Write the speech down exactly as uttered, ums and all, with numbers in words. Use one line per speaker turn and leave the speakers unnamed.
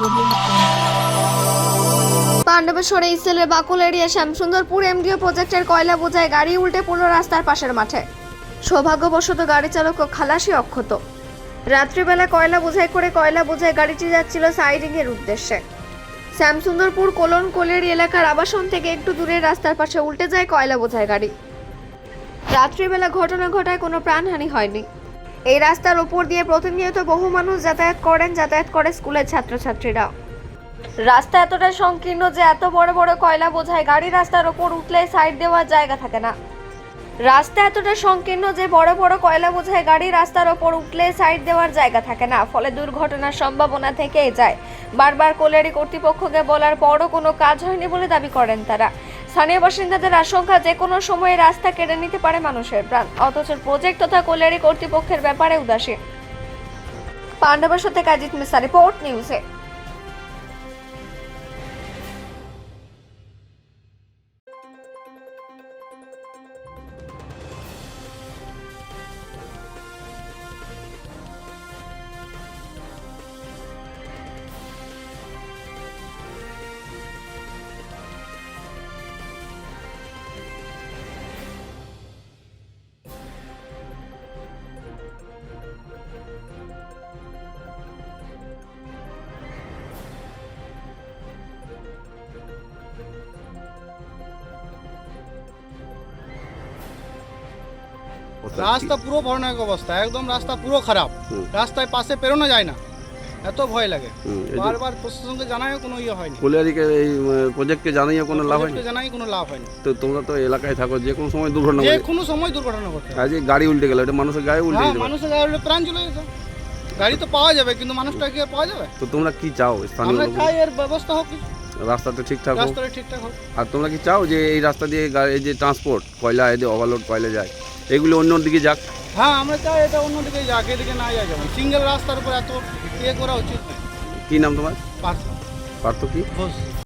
পাণ্ডবেশ্বরে ইসেলের বাকুল area Shyamsundarpur এমডিও প্রজেক্টের কয়লা বোঝাই গাড়ি উল্টে পড়ল রাস্তার পাশের মাঠে। সৌভাগ্যবশত গাড়ি চালক ও খালাসি অক্ষত। রাত্রিবেলা কয়লা বোঝাই করে কয়লা বোঝাই গাড়িটি যাচ্ছিল সাইডিং এর উদ্দেশ্যে। শ্যামসুন্দরপুর কোলন কোলেরি এলাকার আবাসন থেকে একটু দূরে রাস্তার পাশে উল্টে যায় কয়লা বোঝাই গাড়ি। রাত্রিবেলা ঘটনা ঘটায় কোনো প্রাণহানি হয়নি। এই রাস্তার উপর দিয়ে প্রতিনিয়ত বহু মানুষ যাতায়াত করেন, যাতায়াত করে স্কুলের ছাত্রছাত্রীরা। রাস্তা এতটা সংকীর্ণ যে এত বড় বড় কয়লা বোঝাই গাড়ি রাস্তার উপর উঠলে সাইড দেওয়ার জায়গা থাকে না। রাস্তা এতটা সংকীর্ণ যে বড় বড় কয়লা বোঝাই গাড়ি রাস্তার উপর উঠলে সাইড দেওয়ার জায়গা থাকে না, ফলে দুর্ঘটনার সম্ভাবনা থেকেই যায়। বারবার কোলেরি কর্তৃপক্ষকে বলার পরও কোনো কাজ হয়নি বলে দাবি করেন তারা। স্থানীয় বাসিন্দাদের আশঙ্কা যে কোনো সময় রাস্তা কেড়ে নিতে পারে মানুষের প্রাণ, অথচ প্রজেক্ট তথা কোলেরি কর্তৃপক্ষের ব্যাপারে উদাসীন। পাণ্ডবেশ্বর থেকে অজিত মিশ্রা, রিপোর্ট নিউজে।
রাস্তা পুরো ভয়ানক অবস্থা, একদম রাস্তা পুরো খারাপ। রাস্তায় পাশে পেরোনো যায় না, এত ভয় লাগে। বারবার প্রশাসনকে জানায় কোনো ইয়ে হয়নি।
কোলিয়ারিকে এই প্রজেক্টকে জানিয়ে কোনো লাভ হয়নি।
জানাই কোনো লাভ হয়নি।
তো তোমরা তো এলাকায় থাকো, যে কোনো সময় দুর্ঘটনা
যে
ঘটে।
কোনো সময় দুর্ঘটনা ঘটে।
আজ এই গাড়ি উল্টে গেল, এটা মানুষের গায়ে উল্টে
হ্যাঁ,
যেতে পারে।
মানুষের গায়ে উল্টে প্রাণ চলে যেত। গাড়ি তো পাওয়া যাবে, কিন্তু মানুষটা কি আর পাওয়া যাবে?
তো তোমরা কি চাও স্থানীয়
আমরা
লোক?
চাই এর ব্যবস্থা হোক,
রাস্তাটা ঠিকঠাক হোক।
রাস্তাটা ঠিকঠাক হোক।
আর তোমরা কি চাও যে এই রাস্তা দিয়ে গাড়ি এই যে ট্রান্সপোর্ট কয়লা এদের ওভারলোড কয়লা যায়, এগুলো অন্য দিকে যাক?
হ্যাঁ, আমরা চাই এটা অন্যদিকে যাক, এদিকে না যায়। যেমন সিঙ্গেল রাস্তার উপর এত ইয়ে করা উচিত।
কি নাম তোমার?
পার্থ
পার্থ কি?
ঘোষ।